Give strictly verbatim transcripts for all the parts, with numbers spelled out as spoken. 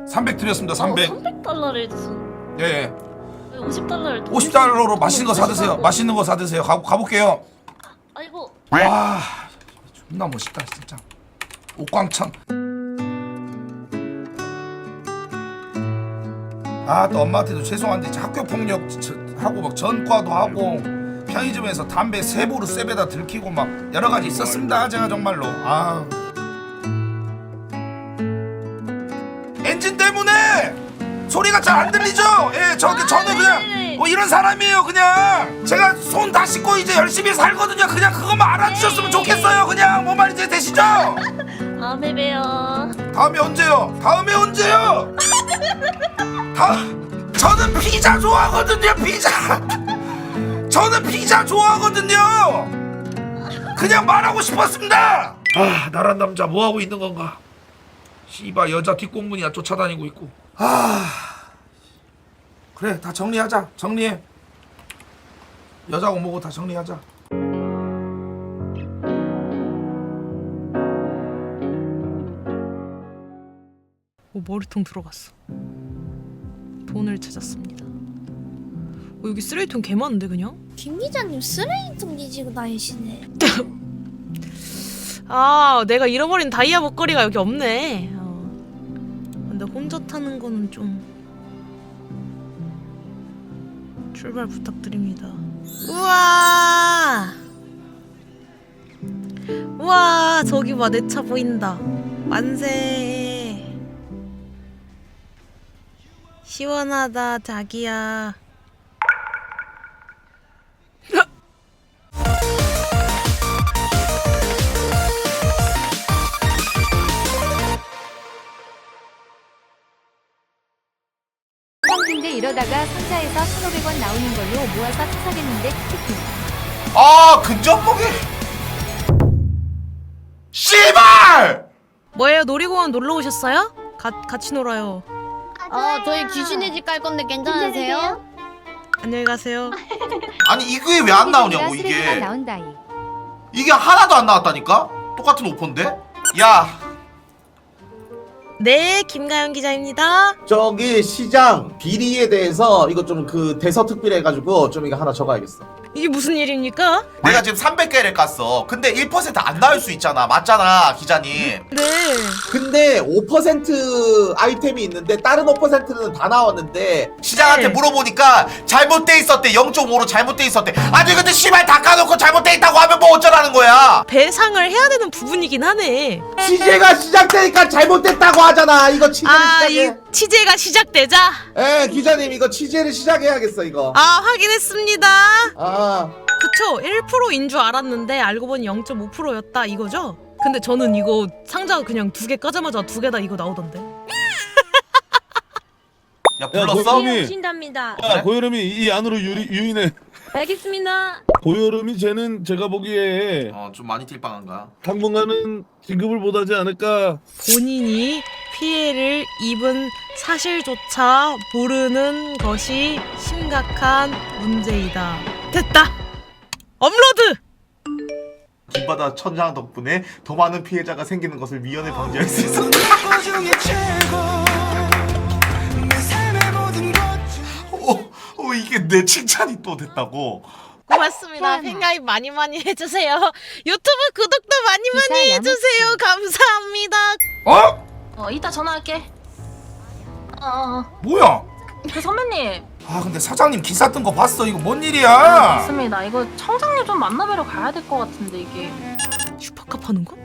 삼백 드렸습니다. 삼백. 어, 삼백 달러를 줬어. 예, 예. 오십 달러를 오십 달러로 맛있는 거 사드세요. 맛있는 거 사드세요. 가, 가볼게요. 아이고. 와, 존나 멋있다 진짜. 옥광천. 아, 또 엄마한테도 죄송한데 학교 폭력 저, 하고 막 전과도 하고 편의점에서 담배 세보루 쇠배다 들키고 막 여러 가지 있었습니다. 제가 정말로. 아. 엔진 때문에 소리가 잘 안 들리죠? 예, 저, 저는 그냥 뭐 이런 사람이에요. 그냥 제가 손 다 씻고 이제 열심히 살거든요. 그냥 그것만 알아주셨으면 좋겠어요. 그냥 뭔 말인지 되시죠? 다음에 봬요. 다음에 언제요? 다음에 언제요? 다 저는 피자 좋아하거든요. 피자. 저는 피자 좋아하거든요. 그냥 말하고 싶었습니다. 아, 나란 남자 뭐 하고 있는 건가? 씨발 여자 뒷공문이야 쫓아다니고 있고. 아, 그래 다 정리하자. 정리해. 여자고 뭐고 다 정리하자. 오, 머리통 들어갔어. 돈을 찾았습니다. 어, 여기 쓰레기통 개 많은데 그냥? 김 기자님 쓰레기통 뒤지고 다니시네. 아, 내가 잃어버린 다이아 목걸이가 여기 없네. 어. 근데 혼자 타는 거는 좀 출발 부탁드립니다. 우와, 우와, 저기 봐, 내 차 보인다. 만세. 시원하다, 자기야. 근데 이러다가 상자에서 천오백 원 나오는 걸로 모아서 사겠는데 키키. 아, 근접보기. 씨발! 뭐예요? 놀이공원 놀러 오셨어요? 가, 같이 놀아요. 아, 저희 귀신의 집 갈 건데 괜찮으세요? 안녕히 가세요. 아니 이게 왜 안 나오냐고 쓰레기가 이게 나온다이. 이게 하나도 안 나왔다니까? 똑같은 오퍼인데? 야 네, 김가연 기자입니다. 저기 시장 비리에 대해서 이거 좀 그 대서특필 해가지고 좀 이거 하나 적어야겠어. 이게 무슨 일입니까? 내가 지금 삼백 개를 깠어. 근데 일 퍼센트 안 나올 수 있잖아. 맞잖아 기자님. 네. 근데 오 퍼센트 아이템이 있는데 다른 오 퍼센트는 다 나왔는데 시장한테 네. 물어보니까 잘못돼 있었대. 영 점 오로 잘못돼 있었대. 아니 근데 씨발 다 까놓고 잘못돼 있다고 하면 뭐 어쩌라는 거야. 배상을 해야 되는 부분이긴 하네. 취재가 시작되니까 잘못됐다고 하잖아. 이거 취재를 아, 이 시작해. 취재가 시작되자. 예, 기자님 이거 취재를 시작해야겠어 이거. 아, 확인했습니다. 아. 그쵸, 일 퍼센트인 줄 알았는데 알고 보니 영 점 오 퍼센트였다 이거죠? 근데 저는 이거 상자 그냥 두 개 까자마자 두 개 다 이거 나오던데. 야 불렀어? 고여름이, 오신답니다. 야 고여름이 이 안으로 유리, 유인해. 알겠습니다. 고여름이 쟤는 제가 보기에 어좀 많이 딜빵한가? 당분간은 진급을 못하지 않을까. 본인이 피해를 입은 사실조차 모르는 것이 심각한 문제이다. 됐다. 업로드. 김바다 천장 덕분에 더 많은 피해자가 생기는 것을 미연에 방지할 수 있어. 오, 오 이게 내 칭찬이 또 됐다고. 고맙습니다. 팬가입 많이 많이 해주세요. 유튜브 구독도 많이 많이 기사 해주세요. 감사합니다. 어? 어, 이따 전화할게. 어, 어, 뭐야? 그 선배님. 아, 근데 사장님 기사 뜬 거 봤어. 이거 뭔 일이야? 맞습니다. 이거 청장님 좀 만나뵈러 가야 될 것 같은데 이게. 슈퍼컵 하는 거?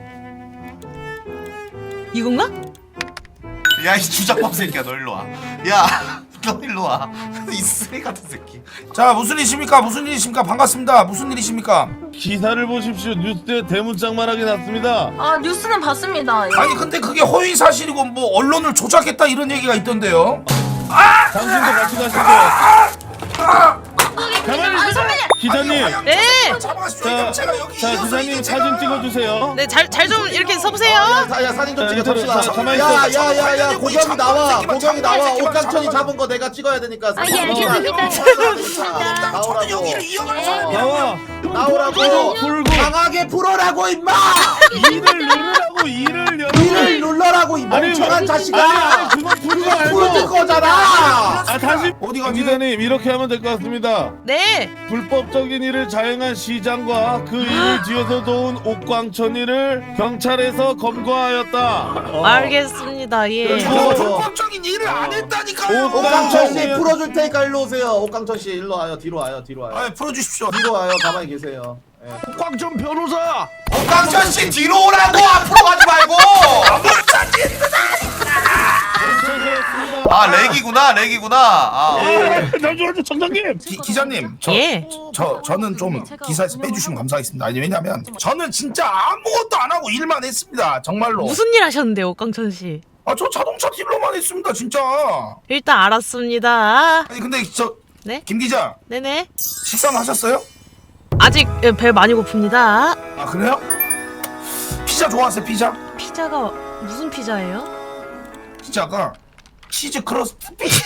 이건가? 야 이 주작밥 새끼야 너 일로 와. 야 너 일로 와. 이 쓰레기 같은 새끼. 자, 무슨 일이십니까? 무슨 일이십니까? 반갑습니다. 무슨 일이십니까? 기사를 보십시오. 뉴스에 대문짝만하게 났습니다. 아, 뉴스는 봤습니다. 아니 근데 그게 허위 사실이고 뭐 언론을 조작했다 이런 얘기가 있던데요. 당신도 같이 가시죠. 가만히 아, 선배님. 기자님. 네. 잡아가시죠. 자, 제가 여기 자 이어서 기자님 이제 사진 제가- 찍어주세요. 네, 잘 잘 좀 이렇게 서보세요. 야, 사- 야 사진 좀 자, 찍어 이쪽으로 잡시다. 자, 가만히 있어. 야야야야 고경이 나와. 새끼만 고경이 나와. 잡아봐, 새끼만 옥강천이 잡아봐. 잡은 거 내가 찍어야 되니까. 아, 예, 알겠습니다. 저는 여기를 이어가서 나와. 나오라고. 풀고 강하게 풀어라고 임마. 이를 누르라고 이를 열어. 이를 눌러라고 이 아니, 멍청한 아니, 자식아. 아니, 우리가 풀어줄 거잖아. 아 다시 어디 가지? 기자님 이렇게 하면 될 것 같습니다. 네. 불법적인 일을 자행한 시장과 그 일을 뒤에서 도운 옥광천이를 경찰에서 검거하였다. 어. 알겠습니다. 예. 저 불법적인 일을 안 했다니까요. 옥강천 씨 풀어줄 테니까 일로 오세요. 옥강천 씨 일로 와요. 뒤로 와요. 뒤로 와요. 아, 풀어주십시오. 뒤로 와요. 가만히 계세요. 예. 옥광천 변호사. 옥강천 씨 뒤로 오라고 앞으로 가지 말고. 아 렉이구나 렉이구나. 아. 잠시만요 청장님. 기, 기자님, 저, 예. 저 저는 좀 기사에서 빼주시면 감사하겠습니다. 아니 왜냐면 저는 진짜 아무것도 안 하고 일만 했습니다. 정말로. 무슨 일 하셨는데요, 옥강천 씨? 아, 저 자동차 딜러만 했습니다, 진짜. 일단 알았습니다. 아니 근데 저 네? 김 기자 네네. 식사는 하셨어요? 아직 예, 배 많이 고픕니다. 아 그래요? 피자 좋아하세요? 피자? 피자가 무슨 피자예요? 피자가 치즈 크러스트 피자.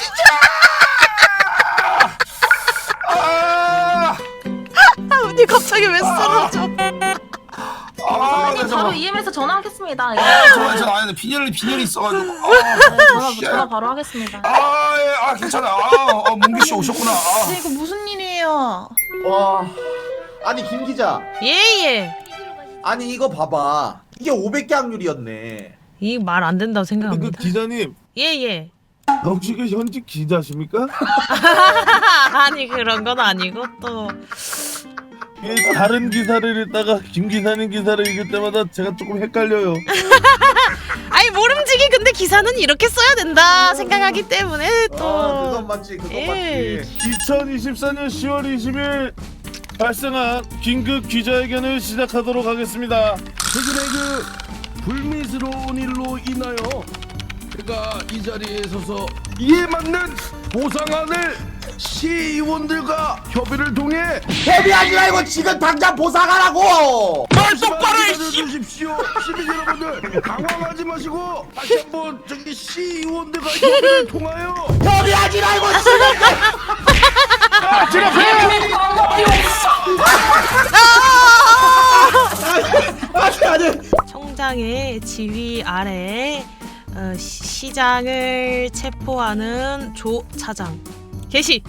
아, 아, 언니 갑자기 왜 쓰러져? 아, 선배님 그래서 바로 이엠에서 전화하겠습니다. 예. 저 저 아니 빈혈이 빈혈이 있어가지고. 네, 아, 전화 씨. 전화 바로 하겠습니다. 아, 예, 아 괜찮아. 아, 어, 문규 씨 오셨구나. 아. 이거 무슨 일이에요? 와. 아니 김 기자. 예예. 아니 이거 봐봐. 이게 오백 개 확률이었네. 이 말 안 된다고 근데 그 생각합니다. 기자님 예예. 혹시 그 현직 기자십니까? 아니 그런 건 아니고 또 이 다른 기사를 읽다가 김 기사님 기사를 읽을 때마다 제가 조금 헷갈려요. 아니 모름지기 근데 기사는 이렇게 써야 된다 생각하기 때문에 또 아 그건 맞지. 그건 예. 맞지. 이천이십사 년 시월 이십일 발생한 긴급 기자회견을 시작하도록 하겠습니다. 최근에 그 불미스러운 일로 인하여 제가 이 자리에 서서 이에 맞는 보상안을 시의원들과 협의를 통해 헤비하지 말고 지금 당장 보상하라고. 말 똑바로 해주십시오. 시민 여러분들 당황하지 마시고 다시 한번 저기 시의원들과 협의를 통하여 헤비하지 말고 지금. 아니 아니. 청장의 지휘 아래 어, 시- 시장을 체포하는 조 차장 개시.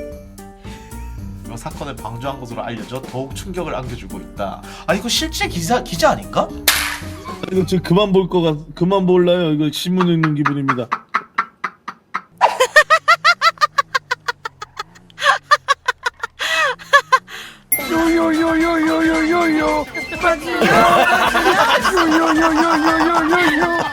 이 사건을 방조한 것으로 알려져 더욱 충격을 안겨주고 있다. 아 이거 실제 기사 기자 아닌가? 이거 지금 그만 볼 거 같, 그만 볼라요. 이거 신문 읽는 기분입니다. 요요요요요요요요 요요요요요요요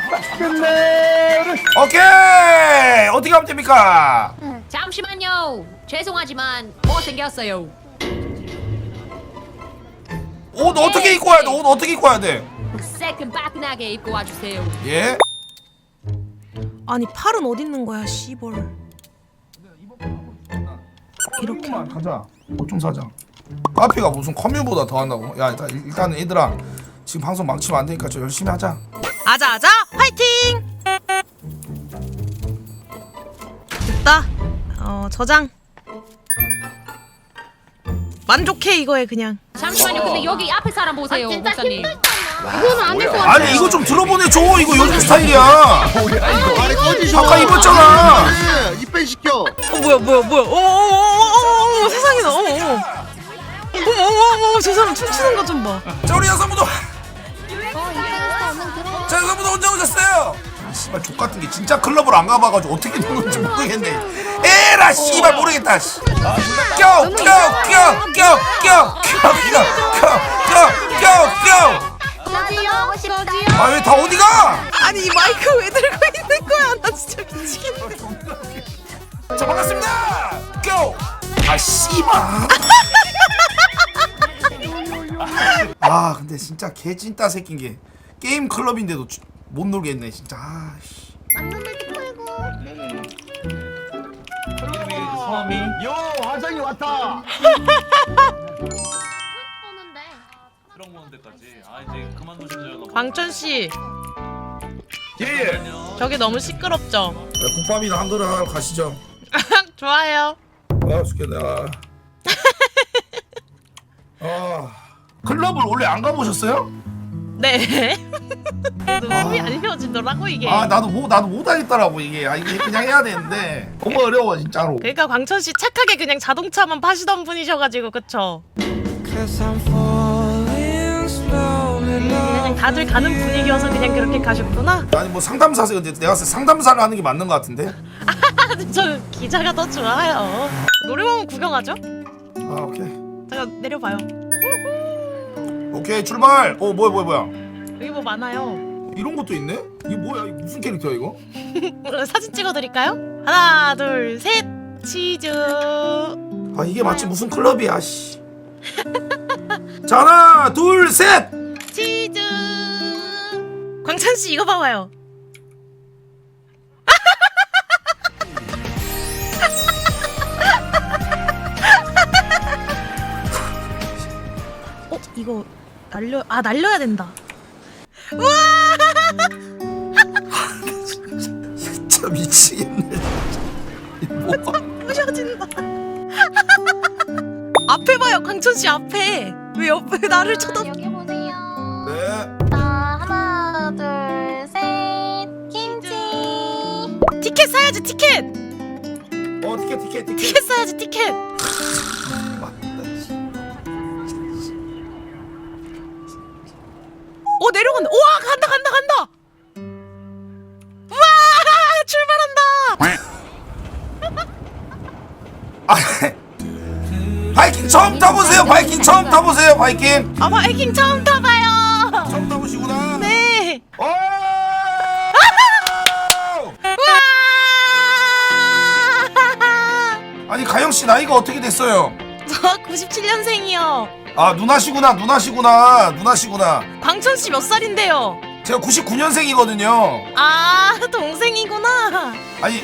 끝내 오케이 어떻게 하면 됩니까? 잠시만요. 죄송하지만 못생겼어요. 옷 어떻게 입고 와야 돼? 옷 어떻게 입고 와야 돼? 새끈빠끈하게 입고 와주세요. 예? 아니 팔은 어디 있는 거야 씨벌. 이렇게 가자. 보충 사자. 카페가 무슨 커뮤보다 더 한다고? 야 일단 일단은 얘들아 지금 방송 망치면 안 되니까 좀 열심히 하자. 아자아자 화이팅. 됐다. 어 저장. 만족해 이거에 그냥. 잠시만요. 근데 여기 앞에 사람 보세요, 목사님. 아니 이거 좀 들어보내 줘. 이거 요즘 스타일이야. 아까 입었잖아. 어 뭐야 뭐야 뭐야. 어어어어어 세상에나. 어어. 어어어어 저 사람 춤추는 거 좀 봐. 자 우리 여성분도 어, 이pen스터 얼른 들어. 자 여성분도 혼자 오셨어요. 씨발 족 같은 게 진짜 클럽을 안 가봐가지고 어떻게 된 건지 모르겠네. 에라 씨발 모르겠다. 씨. 껴껴껴껴껴껴껴껴껴껴껴 저지요? 저지요? 아 왜 다 어디가? 아니 이 마이크 왜 들고 있는 거야? 나 진짜 미치겠네. 자 반갑습니다. 고! 아 씨발. 아 근데 진짜 개 찐따 새낀 게 게임 클럽인데도 주- 못 놀겠네 진짜. 아, 씨. 성함이 요 화장이 왔다. 트럭 모는 데까지. 아 이제 그만두실래요? 광천 씨 예예. 저기 너무 시끄럽죠? 국밥이나 한 그릇 하러 가시죠. 좋아요. 아 죽겠네. 아 클럽을 원래 안 가보셨어요? 네. 몸이 안 헤어지더라고 이게. 아 나도 못 나도 못하겠더라고 이게. 아 이게 그냥 해야 되는데 너무 어려워 진짜로. 그러니까 광천 씨 착하게 그냥 자동차만 파시던 분이셔가지고 그쵸? 그냥 다들 가는 분위기여서 그냥 그렇게 가셨구나. 아니 뭐 상담사세요. 근데 내가 봤을 때 상담사를 하는 게 맞는 것 같은데. 저 기자가 더 좋아요. 놀이공원 구경하죠? 아 오케이 잠깐 내려봐요. 오케이 출발. 어 뭐야 뭐야 뭐야. 여기 뭐 많아요. 이런 것도 있네? 이게 뭐야? 이거 무슨 캐릭터야 이거? 사진 찍어드릴까요? 하나 둘 셋 치즈. 아 이게 마치 무슨 클럽이야 씨. 자 하나 둘 셋. 치즈. 광찬 씨 이거 봐봐요. 어 이거 날려 아 날려야 된다. 우와! 진짜 미치겠네. 이거 뭐야? 부셔진다. 앞에 봐요 광천 씨 앞에. 왜 옆에 나를 쳐다? 여기 보세요. 네. 자, 하나, 둘, 셋. 김치. 티켓 사야지 티켓. 어 티켓 티켓 티켓. 티켓 사야지 티켓. 맞다, 씨. 어 내려간다. 우와 간다 간다 간다. 우와 출발한다. 아, 바이킹 처음 타보세요. 바이킹 처음 타보세요. 바이킹 아 바이킹 처음 타봐요. 처음 타보시구나. 네. 오! 우와. 아니 가영 씨 나이가 어떻게 됐어요? 저 구십칠 년생이요. 아 누나시구나 누나시구나 누나시구나. 광천 씨 몇 살인데요? 제가 구십구 년생이거든요. 아 동생이구나. 아니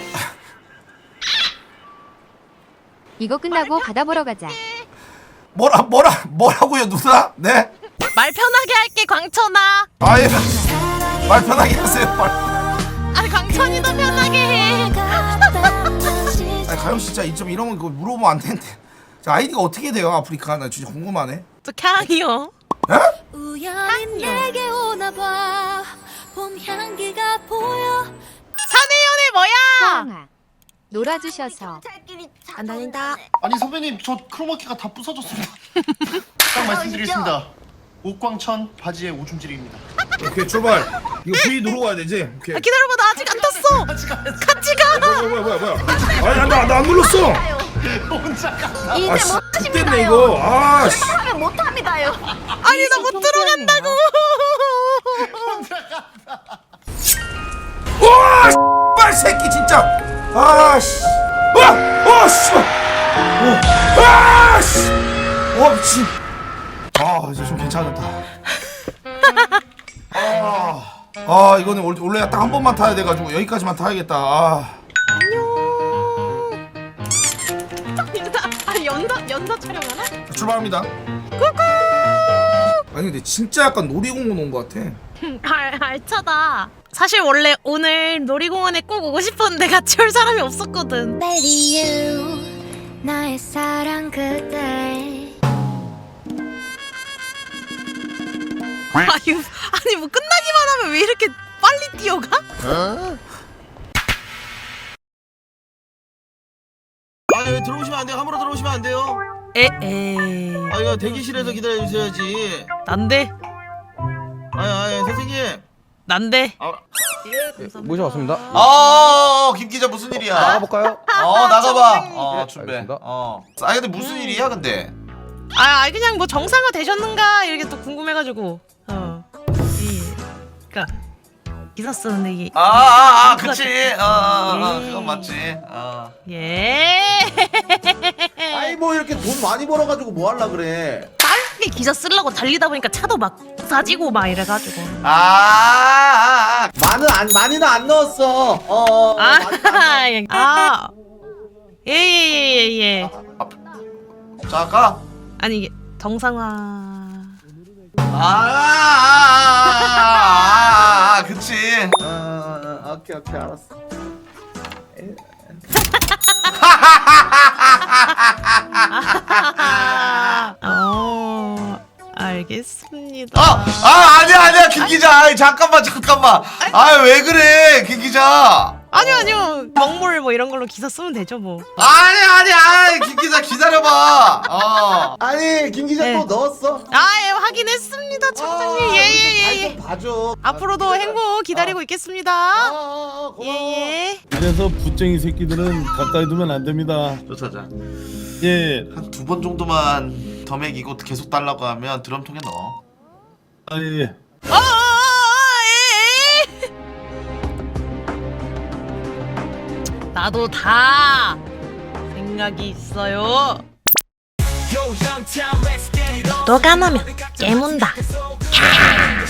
이거 끝나고 바다 보러 가자. 뭐라 뭐라 뭐라고요 누나? 네? 말 편하게 할게 광천아. 아예 말 편하게 하세요. 말. 아니 광천이 더 편하게 해. 아니 가영 씨 진짜 좀 이런 거 그거 물어보면 안 되는데. 자, 아이디가 어떻게 돼요 아프리카? 나 진짜 궁금하네. 저 캉이요. 에? 우연히 내게 오나 봐. 봄 향기가 보여. 사내연애 뭐야? 서영아 놀아주셔서 안 다닌다. 아니 선배님 저 크로마키가 다 부서졌습니다. 딱 말씀드리겠습니다. 옥광천 바지의 오줌질입니다. 오케이 출발. 이거 V 누르고 가야 되지? 오케이. 아, 기다려봐 나 아직 안 탔어. 같이 가. 뭐야 뭐야 뭐야 뭐야. 아니 나 나 안 눌렀어. 혼자 가. 아 씨. 됐네 이거. 아 씨. 못합니다요. 아니 나 못 들어간다고. 와! 빨 새끼 진짜. 아 씨. 와! 와 씨. 와 씨. 와 미친. 아 이제 좀 괜찮았다. 아, 아 이거는 원- 원래 딱 한 번만 타야 돼가지고 여기까지만 타야겠다. 아. 아 연다 연다 촬영하나? 자, 출발합니다. 아니 근데 진짜 약간 놀이공원 온 것 같아. 알 알차다. 사실 원래 오늘 놀이공원에 꼭 오고 싶었는데 같이 올 사람이 없었거든. Baby you 나의 사랑 그대. 아유 아니 뭐 끝나기만 하면 왜 이렇게 빨리 뛰어가? 아니 왜 들어오시면 안 돼요? 함부로 들어오시면 안 돼요. 에에 아 이거 대기실에서 기다려 주셔야지. 난데 아니 아니 선생님. 난데. 아, 모셔왔습니다. 어, 김 기자 무슨 일이야? 나가볼까요? 어 나가봐. 선생님. 어 네, 준비. 알겠습니다. 어. 아 근데 무슨 일이야 근데? 아 아니, 그냥 뭐 정상화 되셨는가 이렇게 또 궁금해가지고. 어. 이 그러니까 기사 쓰는데 이게. 아아아 그치. 어, 어, 어 예. 그건 맞지. 어. 예. 아이 뭐 이렇게 돈 많이 벌어가지고 뭐 할라 그래. 빨리 기사 쓰려고 달리다 보니까 차도 막 사지고 막 이래가지고. 아, 아, 아. 많은 안 많이는 안 넣었어. 어. 어 아, 많이는 안 넣었어. 예. 아, 예예예예 예, 예. 자 가. 아니 이게 정상화. 아, 아, 아, 아, 아, 그치. 어, 어, 어, 오케이 오케이 알았어. 어, 알. 알겠습니다. 아, 아 아니야 아니야 김 기자. 아이, 잠깐만 잠깐만. 아 왜 그래 김 기자. 아니요 아니요 먹물 뭐 이런 걸로 기사 쓰면 되죠 뭐. 아니 아니 아니 김 기자 기다려봐. 어. 아니 김 기자 네. 또 넣었어. 아예 확인했습니다 청장님. 예예예. 잘 좀 봐줘. 앞으로도 행복 기다리고 있겠습니다. 아, 아, 고마워. 예예. 이래서 붓쟁이 새끼들은 가까이 두면 안 됩니다. 조사장 예. 한 두 번 정도만 더 먹이고 계속 달라고 하면 드럼통에 넣어. 아 예. 어, 어, 어, 예, 예. 나도 다 생각이 있어요. 너가 나면 깨문다.